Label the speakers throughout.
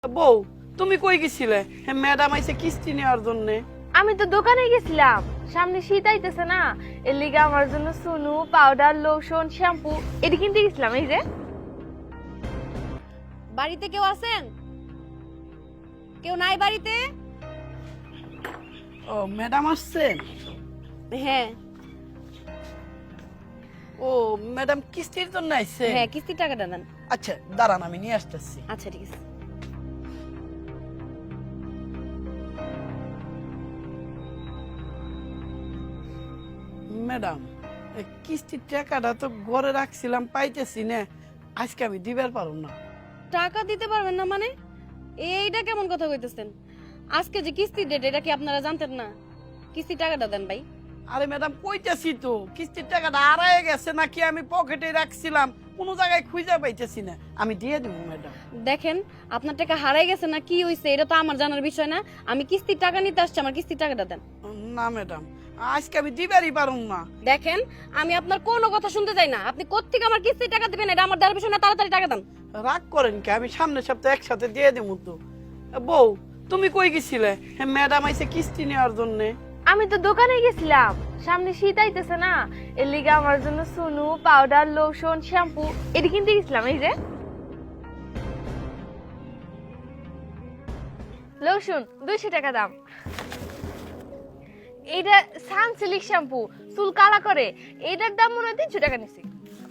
Speaker 1: বউ, তুমি কই গেছিলে? ম্যাডাম আইছে কিস্তি নেওয়ার জন্য।
Speaker 2: আমি তো দোকানে গেছিলাম, সামনে শীত আইতেছে না, এর লিগে আমার জন্য সুনু, পাউডার, লোশন, শ্যাম্পু এটি কিনতে গেছিলাম। এই যে
Speaker 3: বাড়িতে কেউ আছেন? কেউ নাই বাড়িতে?
Speaker 1: ও ম্যাডাম আসছেন?
Speaker 3: হ্যাঁ
Speaker 1: ও ম্যাডাম কিস্তির জন্য আইছে?
Speaker 3: হ্যাঁ, কিস্তির টাকাটা দেন।
Speaker 1: আচ্ছা দাঁড়ান, আমি নিয়ে আসতেছি।
Speaker 3: আচ্ছা ঠিক আছে।
Speaker 1: ম্যাডাম, এই কিস্তির টাকাটা তো ঘরে রাখছিলাম, পাইতেছি না। আজকে আমি দিবার পারব না।
Speaker 3: টাকা দিতে পারবেন না মানে? এইটা কেমন কথা কইতেছেন? আজকে যে কিস্তির ডেট, এটা কি আপনারা জানতেন না? কিস্তির টাকাটা দেন ভাই।
Speaker 1: আরে ম্যাডাম, কইতেছি তো কিস্তির টাকাটা হারায় গেছে নাকি আমি পকেটে রাখছিলাম, কোনো জায়গায় খুঁজে পাইতেছি না। আমি দিয়ে দেবো ম্যাডাম।
Speaker 3: দেখেন, আপনার টাকা হারাই গেছে না কি হইছে এটা তো আমার জানার বিষয় না। আমি কিস্তির টাকা নিতে আসছি, আমার কিস্তির টাকাটা দেন।
Speaker 1: না ম্যাডাম, আজকে আমি দিবারই পারুম না।
Speaker 3: দেখেন, আমি আপনার কোনো কথা শুনতে চাই না। আপনি কোত্থেকে আমার কিস্তির টাকা দিবেন এটা আমার জানার বিষয় না। তাড়াতাড়ি টাকা দেন।
Speaker 1: রাগ করেন কি? আমি সামনের সপ্তাহে একসাথে দিয়ে দেবো তো। বউ, তুমি কই গেছিলে? ম্যাডাম আইছে কিস্তি নেওয়ার জন্য।
Speaker 2: আমি তো দোকানে গেছিলাম, সামনে শীত আইতেছে না, এর লিগে আমার জন্য সুনু, পাউডার, লোশন, শ্যাম্পু এটি কিনতে গেছিলাম। এই যে লোশন 200 টাকা দাম। এইটা সানসিল্ক শ্যাম্পু, চুল কালা করে, এইটার দাম মনে হয় 300 টাকা নিছি।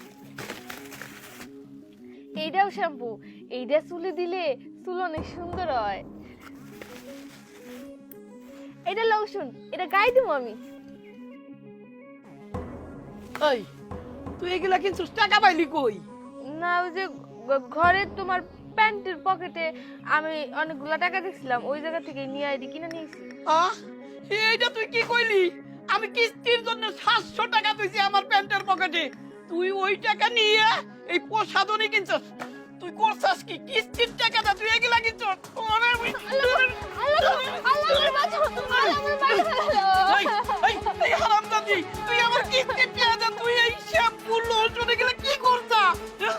Speaker 2: এইটাও শ্যাম্পু, এইটা চুলে দিলে চুল অনেক সুন্দর হয়। এটা লোশন, এটা গায়ে দিব আমি।
Speaker 1: এই, তুই এগুলা কিন্তু টাকা পাইলি কই?
Speaker 2: না, ওই যে ঘরে তোমার প্যান্টের পকেটে আমি অনেকগুলা টাকা দিছিলাম, ওই জায়গা থেকে নিয়ে আইডি কিনে নিয়েছি।
Speaker 1: আহ, এইটা তুই কি কইলি? আমি কিস্তির জন্য 700 টাকা দিয়েছি আমার প্যান্টের পকেটে, তুই ওই টাকা নিয়ে এই প্রসাধনী কিনছস? তুই করছস কি? কিস্তির টাকাটা তুই এগুলা কিনছস? ওরে এই, এই হারামজাদি, তুই আমার কিস্তির টাকা, তুই এই শ্যাম্পু লোশন এগুলা কি করছস?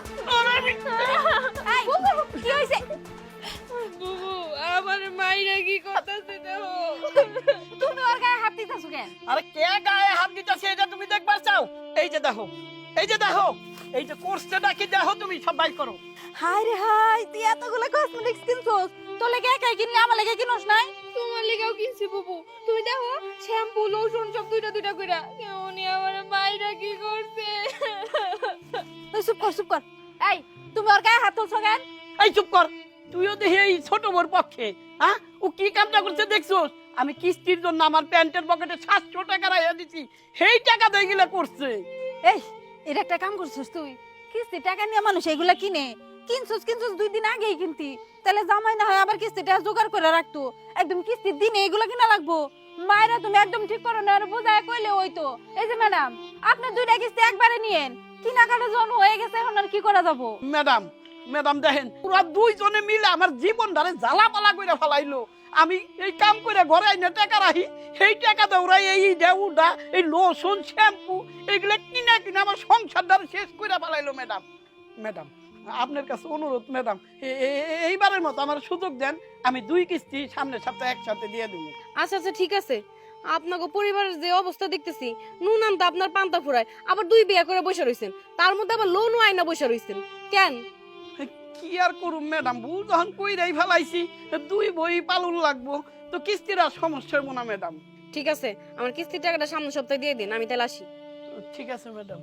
Speaker 3: কি হইছে?
Speaker 2: বুবু, আমার মাইরা কি করতেছে দেখো।
Speaker 3: তুমি ওর গায়ে হাত দিতেছো কেন?
Speaker 1: আরে কে গায়ে হাত দিতেছে এটা তুমি দেখবার চাও? এই যে দেখো, এই যে দেখো, এই যে কোর্সটা কি দেখো, তুমি সব বাই করো।
Speaker 3: হাই রে হাই, তুই এতগুলো কসমেটিক্স কিনছস? তোর লাগি একাই কিনলি, আমার লাগি কিনস নাই?
Speaker 2: তোমার লিগাও কিনছি বুবু, তুমি দেখো শ্যাম্পু লোশন সব দুইটা দুইটা কইরা। কেমনি আমার মাইরা কি করছে।
Speaker 3: তুই চুপ কর, চুপ কর। এই, তুমি ওর গায়ে হাত তুলছো কেন?
Speaker 1: এই চুপ কর, তুইও দেখি এই ছোট বোর পক্ষে। হ্যাঁ, ও কি কামটা করছে দেখছোস? আমি কিস্তির জন্য আমার প্যান্টের পকেটে 700 টাকা রাইয়া দিছি, সেই টাকা দিয়ে গিলা করছে।
Speaker 3: এই, এর একটা কাম করছিস তুই। কিস্তি টাকা নিয়ে মানুষ এগুলা কিনে। কিনছস 2 দিন আগেই কিনতি, তাহলে জামাই না হয় আবার কিস্তিটা জোগাড় করে রাখতো। একদম কিস্তির দিনে এগুলা কিনা লাগবো? মায়েরা তুমি একদম ঠিক করো না, আর বোঝায় কইলে হইতো। এই যে ম্যাডাম, আপনি 2টা কিস্তি একবারে নিয়েন। কেনাকাটা যখন হয়ে গেছে, এখন আর কি করা যাবো?
Speaker 1: ম্যাডাম, ম্যাডাম দেখেন, পুরা দুইজনে মিলে আমার জীবন ধারে জ্বালাপালা করে ফেলাইলো। আমি এই কাম করে ঘরে আইনা টাকা রাখি, সেই টাকা দৌড়াই এই ডেউডা, এই লোশন শ্যাম্পু এগুলা কিনা কিনা আমার সংসার ধারে শেষ করে ফেলাইলো। ম্যাডাম, ম্যাডাম, আপনার কাছে অনুরোধ ম্যাডাম, এইবারের মতো আমার সুযোগ দেন, আমি 2 কিস্তি সামনের সপ্তাহে একসাথে দিয়ে দেবো।
Speaker 3: আচ্ছা আচ্ছা ঠিক আছে। আপনাকে পরিবারের যে অবস্থা দেখতেছি, নুন আনতে আপনার পান্তা ফুরায়, আবার 2 বিয়ে করে বসে রইছেন, তার মধ্যে আবার লোনও আইনা বসে রইছেন কেন?
Speaker 1: কি আর করুম ম্যাডাম, ভুল যখন কইরাই ফেলাইছি, 2 বই পালন লাগবো, তো কিস্তির আর সমস্যা হবো না ম্যাডাম।
Speaker 3: ঠিক আছে, আমার কিস্তির টাকাটা সামনের সপ্তাহে দিয়ে দিন, আমি তাহলে আসি।
Speaker 1: ঠিক আছে ম্যাডাম।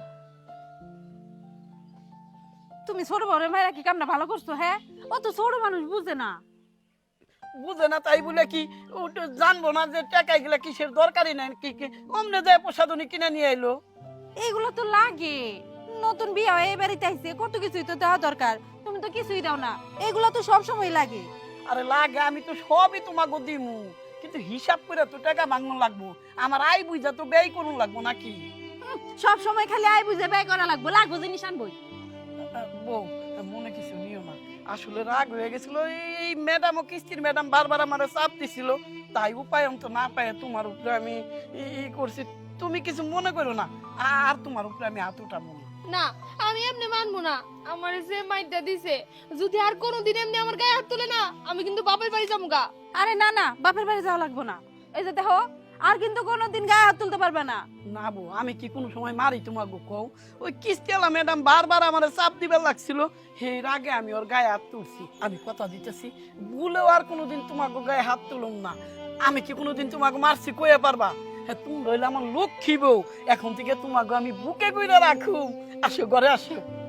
Speaker 3: তুমি ছোট বড় ভাইরা কি কামটা ভালো করছো? হ্যাঁ, ও তো ছোট মানুষ, বুঝে না।
Speaker 1: বুঝে না তাই বলে কি ও তো জানবো না যে টাকা এগুলা কিসের দরকারই নাই? কি কি অমনে যায় প্রসাধনী কিনে নিয়ে এলো।
Speaker 3: এগুলো তো লাগে, নতুন বিয়ে হয়ে বাড়িতে আইছে, কত কিছুই তো দেওয়া দরকার। তুমি তো কিছুই দাও না, এগুলো তো সব সময় লাগে।
Speaker 1: আরে লাগে, আমি তো সবই তোমাকে দিমু, কিন্তু হিসাব করে তো টাকা মাগনো লাগবো, আমার আয় বুঝা তো ব্যয় করুন লাগবো নাকি?
Speaker 3: সব সময় খালি আয় বুঝে ব্যয় করা লাগবে, লাগবো জিনিস আনবই।
Speaker 1: বউ, মনে কিছু নিও না, আসলে রাগ হয়ে গেছিল। এই ম্যাডাম ও কিস্তির ম্যাডাম বারবার আমার চাপ দিছিল, তাই উপায় তো না পায় তোমার উপরে আমি ই করছি। তুমি কিছু মনে করো না, আর তোমার উপরে আমি হাত উঠাবো না।
Speaker 2: না আমি এমনি মানবো না। আমার যে মাইটা দিছে যদি আর কোনোদিন এমনি আমার গায়ে হাত তুলে না, আমি কিন্তু বাপের বাড়ি যাবো গা।
Speaker 3: আরে না না, বাপের বাড়ি যাওয়া লাগবো না। এই যে দেখো, আর কিন্তু কোনোদিন গায়ে হাত তুলতে পারবে না।
Speaker 1: না বউ, আমি কি কোনো সময় মারি তোমাকে কও? ওই কিস্তিওয়ালা ম্যাডাম বারবার আমার চাপ দিবার লাগছিল, এর আগে আমি ওর গায়ে হাত তুলছি। আমি কথা দিতেছি, ভুলেও আর কোনোদিন তোমাকে গায়ে হাত তুলুম না। আমি কি কোনোদিন তোমাকে মারছি কয়ে পারবা? হ্যাঁ, তুমি রইলে আমার লক্ষ্মী বউ, এখন থেকে তোমাকে আমি বুকে কইরা রাখুম। আসো ঘরে আসো।